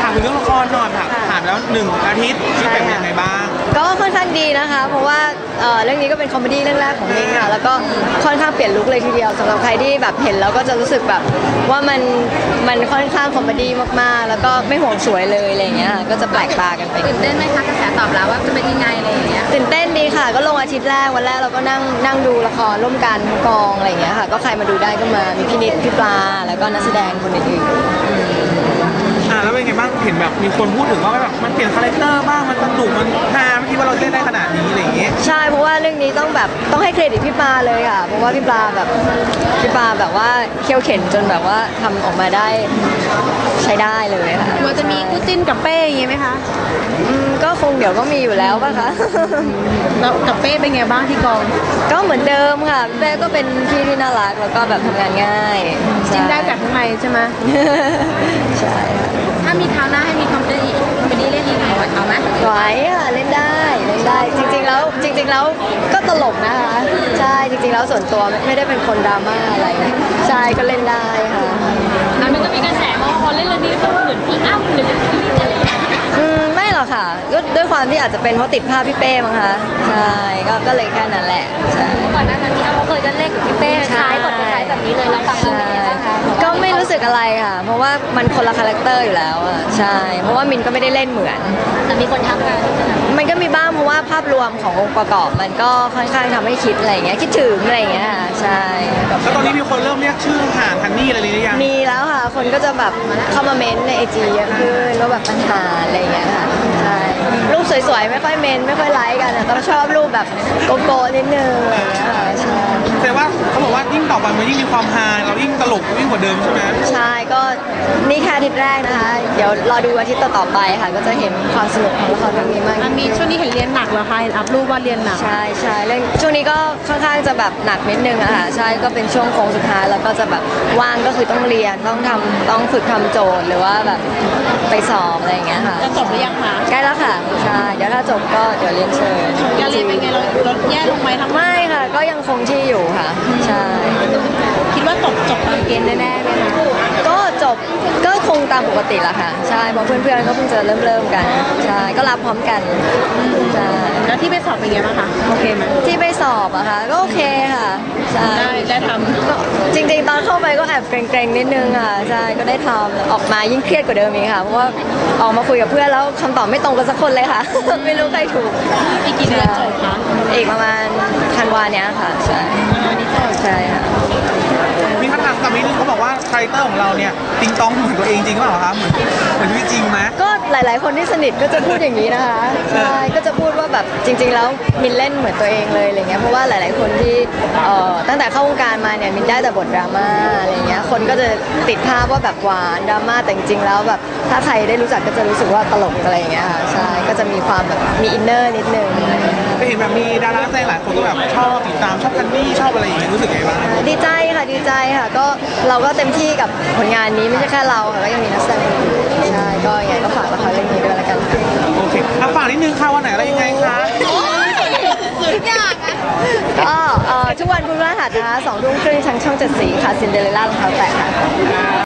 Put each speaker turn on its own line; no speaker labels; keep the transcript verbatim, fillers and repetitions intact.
ามถึงเรื่องละครหน่อยค่ะผ่านแล้วหนึ่งอาทิตย์ที่เป็นยังไงบ้าง
ก็ค่อนข้างดีนะคะเพราะว่าเรื่องนี้ก็เป็นคอมเมดี้เรื่องแรกของมินค่ะแล้วก็ค่อนข้างเปลี่ยนลุคเลยทีเดียวสำหรับใครที่แบบเห็นแล้วก็จะรู้สึกแบบว่ามันมันค่อนข้างคอมเมดี้มากๆแล้วก็ไม่ห่วงสวยเลยอะไรอย่างเงี้ยก็จะแปลกตากันไป
ตื่นเต้นไหมคะกระแสตอบรับว่าจะเป็นยังไงอะไรอย่างเงี้ย
ตื่นเต้นดีค่ะก็ลงอาทิตย์แรกวันแรกเราก็นั่งนั่งดูละครร่วมกันกองอะไรอย่างเงี้ยค่ะก็ใครมาดูได้ก็มามีพี่นิดพี่ปลาแล้วก็นักแสดงคนอื่น
อ่าแล้วเป็นไงบ้างเห็นแบบมีคนพูดถึงว่าแบบมันเปลี่ยนคาแรคเตอร์บ้างมันสนุกมันฮาไม่คิดว่าเราเล่นได้ขนาดนี้อะไรอย่างเงี้ย
ใช่เพราะว่าเรื่องนี้ต้องแบบต้องให้เครดิตพี่ปลาเลยค่ะเพราะว่าพี่ปลาแบบพี่ปลาแบบว่าเคี่ยวเข็นจนแบบว่าทำออกมาได้ใช้ได้เลยค่ะ
มันจะมีคู่จิ้นกับเป้อย่างเงี้ยไหมคะ
อืมก็คงเดี๋ยวก็มีอยู่แล้วป่ะคะ
แล้วกับเป้เป็นไงบ้างที่กอง
ก็เหมือนเดิมค่ะเป้ก็เป็นพี่ที่น่ารักแล้วก็แบบทำงานง่าย
จิ้นได้จากข้างในใช่ไหม
ใช่
ถ้ามีคราวหน้าให้มีคอมเมดี้คอมเมดี้เล่นอีกหน่อยเอาไหม
ไหวค่ะเล่นได้เล่นได้จริงๆแล้วจริงๆแล้วก็ตลกนะคะใช่จริงๆแล้วส่วนตัวไม่ได้เป็นคนดราม่าอะไรใช่ก็เล่นได้ค่ะ
แล้วมันก็มีกระแสว่าพอเล่นเรื่องนี้ก็เหมือนพี่อ้ำหรือ
อืมไม่หรอกค่ะก็ด้วยความที่อาจจะเป็นเพราะติดภาพพี่เป้มั้งคะใช่ก็ก็เลยแค่นั้นแหละใช่
ก่อนหน้านั้นพี่อ้ำเขาเคยจะเล่นกับพี่เป้คล้ายบทคล้ายแบบนี้เลยแล้วฟังแล้วเป็นยังไงบ้างคะ
ก็ไม่รู้สึกอะไรค่ะเพราะว่ามันคนละคาแรคเตอร์อยู่แล้วอ่ะใช่เพราะว่ามินก็ไม่ได้เล่นเหมือน
แต่มีคนทักมา
มันก็มีบ้างเพราะว่าภาพรวมขององค์ประกอบมันก็ค่อนข้างทำให้คิดอะไรอย่างเงี้ยคิดถึงอะไรอย่างเงี้ยใช่
แล้วตอนนี้มีคนเริ่มเรียกชื่อห่านทันนี่อะไรหรือยัง
มีแล้วค่ะคนก็จะแบบเข้ามาเม้นในไอจีเยอะขึ้นว่าแบบปัญหาอะไรอย่างเงี้ยค่ะใช่รูปสวยๆไม่ค่อยเม้นไม่ค่อยไลค์กันแต่ก็ชอบรูปแบบโกโก้นิดนึงอะไรอย่างเงี้ยค่ะใช่
แต่ว่าเขาบอกว่ายิ่งต่อไปมันยิ่งมีความฮาเรายิ่งตลกยิ่งกว่าเดิมใช่ไหม
ใช่ก็นี่แค่อาทิตย์แรกนะคะเดี๋ยวรอดูอาทิตย์ต่อๆไปค่ะก็จะเห็นความสนุกของละครเรื่องนี้มาก
มีช่วงนี้เห็นเรียนหนักเหรอคะอัพรูปว่าเรียนหนัก
ใช่ใช่เรื่องช่วงนี้ก็ค่อนข้างจะแบบหนักนิดนึงอะค่ะใช่ก็เป็นช่วงโค้งสุดท้ายแล้วก็จะแบบว่างก็คือต้องเรียนต้องทำต้องฝึกทำโจทย์หรือว่าแบบไปสอบอะไรอย่างเงี้ยค่ะ
จะจบหรือยังคะ
ใกล้แล้วค่ะใช่เดี๋ยวถ้าจบก็เดี๋ยวเรียนเชิญ
การเรียนเป็นไงเราลดแย่ลงไหมทำ
ไม่ค่ะก็ยังคงที่อยู่ค่ะใช่
คิดว่าจบจบตามเกณฑ์แน่ๆไหมคะ
ก็จบก็คงตามปกติละค่ะใช่เพราะเพื่อนๆก็เพิ่งจะเริ่มเริ่มกันใช่ก็รับพร้อมกันใช่
แล้วที่ไปสอบเป็นไงบ้างคะโอเคไหม
ที่ไปสอบอะค่ะก็โอเคค่ะใช่
ได้ได้ท
ำจริงๆตอนเข้าไปก็แอบเกรงๆนิดนึงค่ะใช่ก็ได้ทำออกมายิ่งเครียดกว่าเดิมอีกค่ะเพราะว่าออกมาคุยกับเพื่อนแล้วคำตอบไม่ตรงกันสักคนเลยค่ะไม่รู้ใครถูก
อีกกี่เดือนจบคะ
อีกประมาณธันวาเนี้ยค่ะใช่ใช่ค่ะ
มีคำถามกับมินเขาบอกว่าคาแรคเตอร์ของเราเนี่ยติงตองเหมือนตัวเองจริงหรือเปล่าคะเหมือนเหมือนชีวิตจริงไหม
ก็หลายๆคนที่สนิทก็จะพูดอย่างนี้นะคะใช่ก็จะพูดว่าแบบจริงๆแล้วมินเล่นเหมือนตัวเองเลยอะไรเงี้ยเพราะว่าหลายๆคนที่เอ่อตั้งแต่เข้าวงการมาเนี่ยมินได้แต่บทดราม่าอะไรเงี้ยคนก็จะติดภาพว่าแบบหวานดราม่าแต่จริงๆแล้วแบบถ้าใครได้รู้จักก็จะรู้สึกว่าตลกอะไรเงี้ยค่ะใช่ก็จะมีความแบบมีอินเนอร์นิดนึง
ก็เห็นแบบมีดาราแสดงหลายคนก็แบบชอบติดตามชอบทันนี่ชอบอะไรอย่างเงี้ยรู้สึกไงบ้าง
ดีใจค่ะดีใจค่ะก็เราก็เต็มที่กับผลงานนี้ไม่ใช่แค่เราค่ะก็ยังมีนักแสดงคนอื่นใช่ก็ยังไงก็ฝากละครเรื่องนี้ด้วยละกันค่ะ
โอเคอ่ะฝากนิดนึงค่ะวันไหนอะไรยังไงคะ
ทุกอย่างนะ
ก็ทุกวันพุธพฤหัสนะคะสองทุ่มครึ่งทางช่องเจ็ดสีค่ะซินเดอเรลล่ารองเท้าแตะค่ะ